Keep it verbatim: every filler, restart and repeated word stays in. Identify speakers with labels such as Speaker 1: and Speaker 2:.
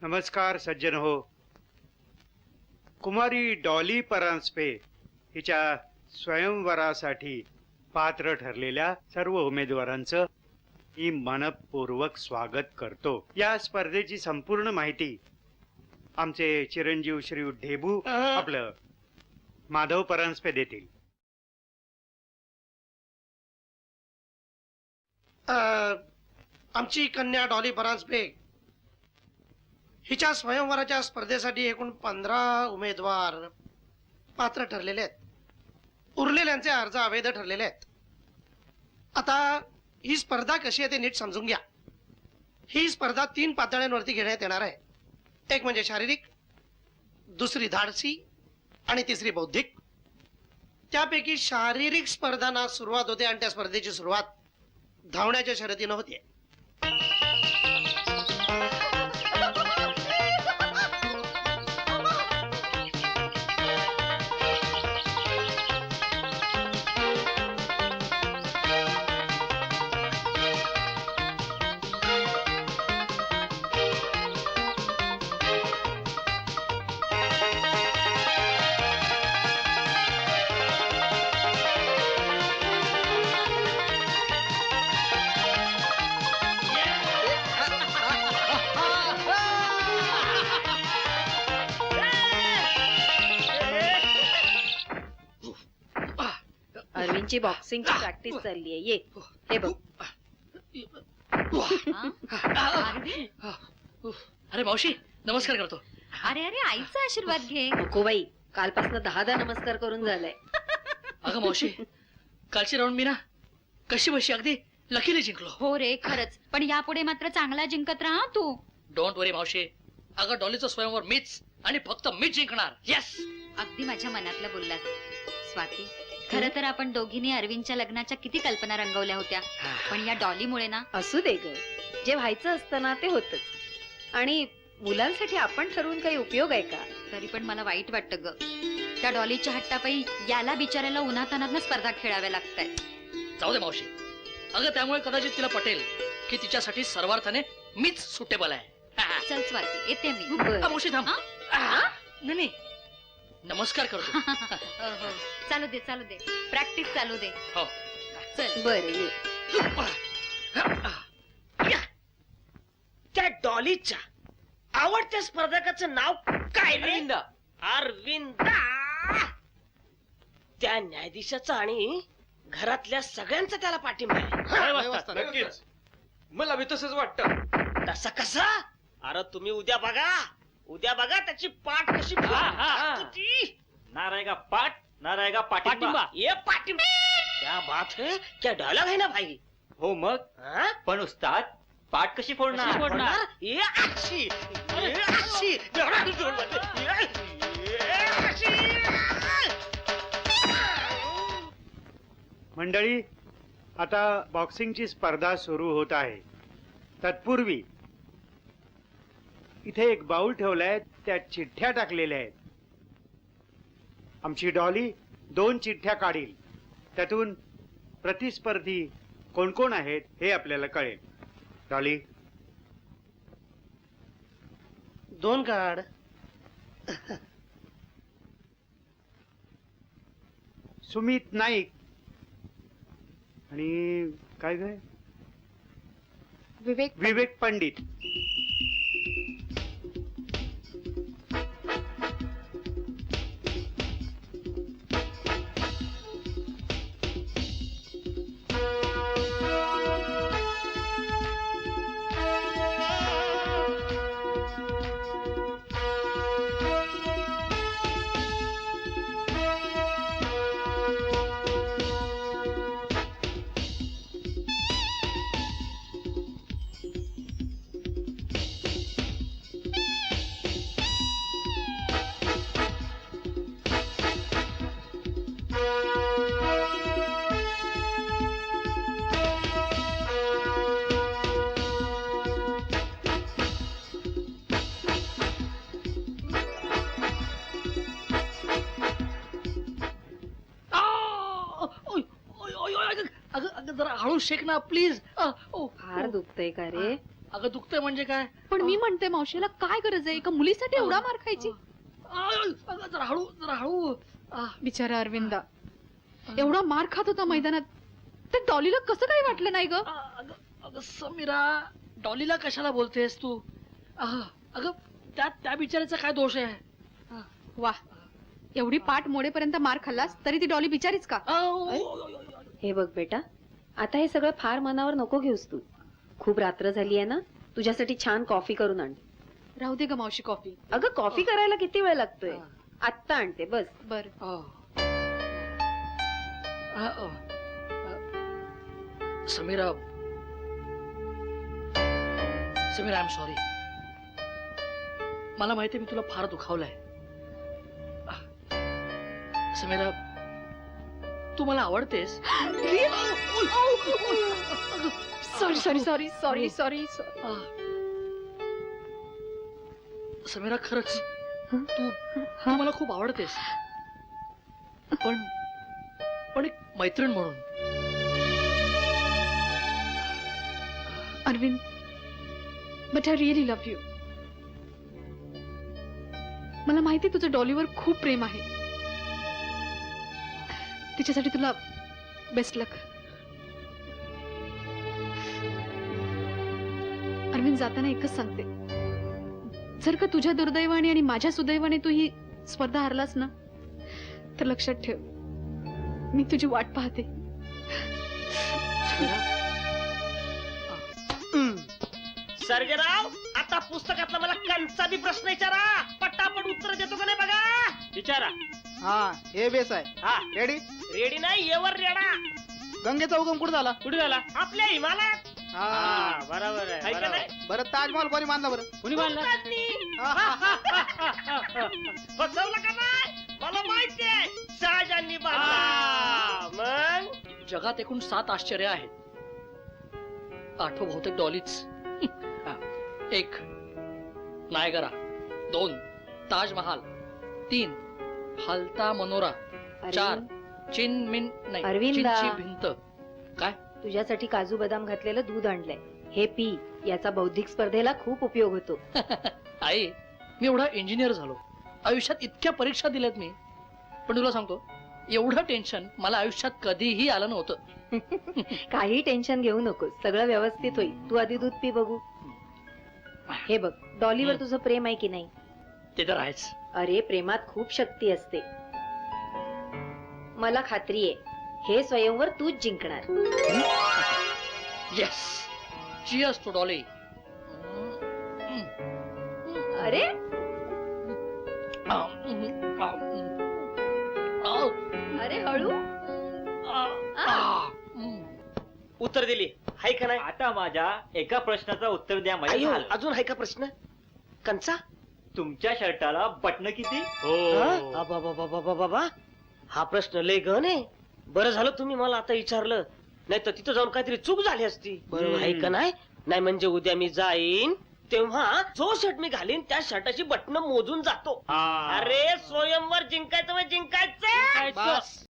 Speaker 1: नमस्कार सज्जन हो. कुमारी डॉली परांजपे हिच्या स्वयंवरासाठी पात्र ठरलेल्या सर्व उमेदवारांचं मी मनपूर्वक स्वागत करतो. या स्पर्धेची संपूर्ण माहिती आमचे चिरंजीव श्री ढेबू आपलं माधव परांजपे देतील.
Speaker 2: आमची कन्या डॉली परांजपे हिच्या स्वयंवराच्या स्पर्धेसाठी एकूण पंधरा उमेदवार पात्र ठरलेले आहेत. उरलेल्यांचे अर्ज अवैध ठरलेले आहेत. आता ही स्पर्धा कशी आहे ते नीट समजून घ्या. ही स्पर्धा तीन पातळ्यांवरती घेण्यात येणार आहे. एक म्हणजे शारीरिक, दुसरी धाडसी आणि तिसरी बौद्धिक. त्यापैकी शारीरिक स्पर्धांना सुरुवात होते आणि त्या स्पर्धेची सुरुवात धावण्याच्या शर्यतीनं होते.
Speaker 3: अरविंदची बॉक्सिंगची प्रॅक्टिस चालली आहे. ये हे बघ.
Speaker 4: अरे मावशी नमस्कार करतो.
Speaker 5: अरे अरे आईचा आशीर्वाद घे.
Speaker 3: नको बाई, कालपासून दहा दहा नमस्कार करून झालाय.
Speaker 4: अगं मावशी कालची राऊंड मी ना कशी बशी अगदी लकीली जिंकलो.
Speaker 5: हो रे खरंच, पण यापुढे मात्र चांगला जिंकत राहा तू.
Speaker 4: डोंट वरी मावशी. अगं डॉलीचं स्वयंवर मीच आणि फक्त मीच जिंकणार. येस.
Speaker 5: अगदी माझ्या मनातलं बोललास स्वाती. खरं तर आपण दोघींनी अरविंदच्या लग्नाच्या किती कल्पना रंगवल्या होत्या, पण या डॉलीमुळे ना.
Speaker 3: असू दे ग, जे व्हायचं असतं ना ते होतच. आणि मुलांसाठी आपण ठरवून काही उपयोग आहे का?
Speaker 5: तरी पण मला वाईट वाटतं ग. त्या डॉलीच्या हट्टापायी याला बिचाऱ्याला उन्हातानात स्पर्धा खेळाव्या लागतायत.
Speaker 4: जाऊ दे मावशी. अगं त्यामुळे कदाचित तिला पटेल की तिच्यासाठी सर्वार्थाने मीच सुटेबल आहे.
Speaker 5: चल स्वाती येते मी.
Speaker 4: मावशी थांब. नाही नाही नमस्कार करतो.
Speaker 5: हो चालू दे चालू दे, प्रॅक्टिस चालू दे.
Speaker 4: हो
Speaker 5: चल
Speaker 3: बरं ये.
Speaker 6: त्या डॉलीच्या आवडत्या स्पर्धकाचं नाव काय? अरविंद. अरविंद. त्या न्यायाधीशाचा आणि घरातल्या सगळ्यांचा त्याला पाठिंबा आहे.
Speaker 7: नक्कीच मला बी तसंच वाटतं.
Speaker 6: तसं कसं? अरे तुम्ही उद्या बघा, उद्या बघा त्याची पाठ कशी ती.
Speaker 7: ना रहेगा पाठ ना रहेगा पाठिंबा.
Speaker 6: ये पाठिंबा. क्या बात है, क्या डायलॉग है ना भाई.
Speaker 7: हो मग.
Speaker 6: हा?
Speaker 7: पण उस्ताद पाठ कशी फोडणार?
Speaker 6: फोडणार? ये अशी, ये अशी. ये अशी.
Speaker 1: मंडळी, आता बॉक्सिंगची स्पर्धा सुरू होत आहे. तत्पूर्वी इथे एक बाउल ठेवलाय, त्यात चिठ्ठ्या टाकलेल्या आहेत. आमची डॉली दोन चिठ्ठ्या काढील. त्यातून प्रतिस्पर्धी कोण कोण आहेत हे आपल्याला कळेल. डॉली
Speaker 2: दोन काढ.
Speaker 1: सुमित नाईक आणि काय काय
Speaker 5: विवेक
Speaker 1: विवेक पंडित.
Speaker 4: जरा हळू शेक ना प्लीज.
Speaker 3: फार दुखतंय का रे?
Speaker 4: अगं दुखतंय म्हणजे काय?
Speaker 8: पण मी म्हणते मावशीला काय गरज आहे एका मुलीसाठी एवढा मार खायची?
Speaker 4: आ, अगं जरा हळू जरा हळू. आ,
Speaker 8: बिचारा अरविंदा एवढा मार खात होता मैदानात, ते डॉलीला कसं काही वाटलं नाही ग?
Speaker 4: आ, अगं अगं समीरा, डॉलीला कशाला बोलतेस तू? आ, अगं त्या त्या बिचाऱ्याचा काय दोष आहे?
Speaker 8: वा, एवढी पाठ मोडेपर्यंत मार खाल्लास तरी ती डॉली बिचारीच का?
Speaker 4: आ, ओ, ओ, ओ, ओ, ओ.
Speaker 3: हे बघ बेटा, आता हे सगळं फार मनावर नको घेऊस तू. खूप रात्र झाली आहे ना, तुझ्यासाठी छान कॉफी करून आण.
Speaker 8: राहू दे ग मावशी कॉफी.
Speaker 3: अगं कॉफी करायला किती वेळ लागतोय? आत्ता आणते बस.
Speaker 8: बर.
Speaker 4: आ. आ, आ. आ. Samira Samira I am sorry. मला माहिती मी तुला फार दुखावलंय. आ. समीरा, तू मला आवडतेस.
Speaker 8: Sorry sorry sorry sorry sorry.
Speaker 4: आ. समीरा खरंच तू तू मला खूप आवडतेस, पण पण एक मैत्रीण म्हणून.
Speaker 8: Arvind, but I really love you. मला माहिती तुझं डॉलीवर खूप प्रेम आहे. तिच्यासाठी तुला बेस्ट लक. अरविंद, जाताना एकच सांगते, जर का तुझ्या दुर्दैवाने आणि माझ्या सुदैवाने तू ही स्पर्धा हारलास ना, तर लक्षात ठेव, मी तुझी वाट पाहते.
Speaker 6: सर्गेराव, आता पुस्तकातला मला कंचा बी प्रश्न विचारा. पटापट उत्तर देतो का नाही बघा. विचारा.
Speaker 9: हा, हे बेस आहे.
Speaker 6: हा,
Speaker 9: रेडी?
Speaker 6: रेडी नाही, येवर रेडा.
Speaker 9: गंगेचा उगम कुठे झाला?
Speaker 6: कुठे झाला? आपल्या हिमालयात.
Speaker 9: हा,
Speaker 6: हा, बरोबर आहे,
Speaker 9: आहे का
Speaker 6: बरोबर.
Speaker 9: नाही? बरं, ताजमहल कोणी बांधला बरं?
Speaker 6: कुणी बांधला? फसवलं का नाही? मला माहितीये, शहाजांनी बांधला. मग
Speaker 4: जगात एकूण सात आश्चर्य आहेत. आठवं बहुतेक डॉलीच. हा. एक नायगरा, दोन ताजमहाल, तीन हलता मनोरा, चार चिन मिन नाही
Speaker 3: अरविंदा.
Speaker 4: चीनची भिंत. काय?
Speaker 3: तुझ्यासाठी काजू बदाम घातलेलं दूध आणलंय, हे पी. याचा बौद्धिक स्पर्धेला खूप उपयोग होतो.
Speaker 4: आई, मी एवढा इंजिनियर झालो, आयुष्यात इतक्या परीक्षा दिल्यात मी, पण तुला सांगतो, एवढं टेन्शन मला आयुष्यात कधीही आलं नव्हतं.
Speaker 3: काही टेन्शन घेऊ नकोस, सगळं व्यवस्थित होईल. तू आधी दूध पी बघू. हे बघ, डॉलीवर
Speaker 4: हं.
Speaker 3: तुझं प्रेम आहे की नाही?
Speaker 4: ते तर आहेच.
Speaker 3: अरे, प्रेमात खूप शक्ती असते. मला खात्री आहे, हे स्वयंवर तूच जिंकणार.
Speaker 4: Yes, cheers to Dolly.
Speaker 3: अरे, अरे हळू.
Speaker 6: उत्तर दिली, हाय का नाही?
Speaker 7: आता माझ्या एका प्रश्नाचं उत्तर द्या माझ्या
Speaker 6: अयो,
Speaker 7: झालं.
Speaker 6: अजून हाय का प्रश्न? कंचा?
Speaker 7: तुमच्या शर्टाला बटन किती?
Speaker 6: हा? अबा, बाबा, बाबा, बाबा, हा प्रश्न लय गहन आहे. बरं झालं तुम्ही मला आता विचारलं, नाही तर तिथं जाऊन काहीतरी चूक झाली असती.
Speaker 7: बरोबर.
Speaker 6: आहे का नाही? नाही म्हणजे उद्या मी जाईन तेव्हा जो शर्ट मी घालीन त्या शर्टाची बटन मोजून जातो. अरे, स्वयंवर जिंकायचं म्हणजे जिंकायचं.
Speaker 9: बस.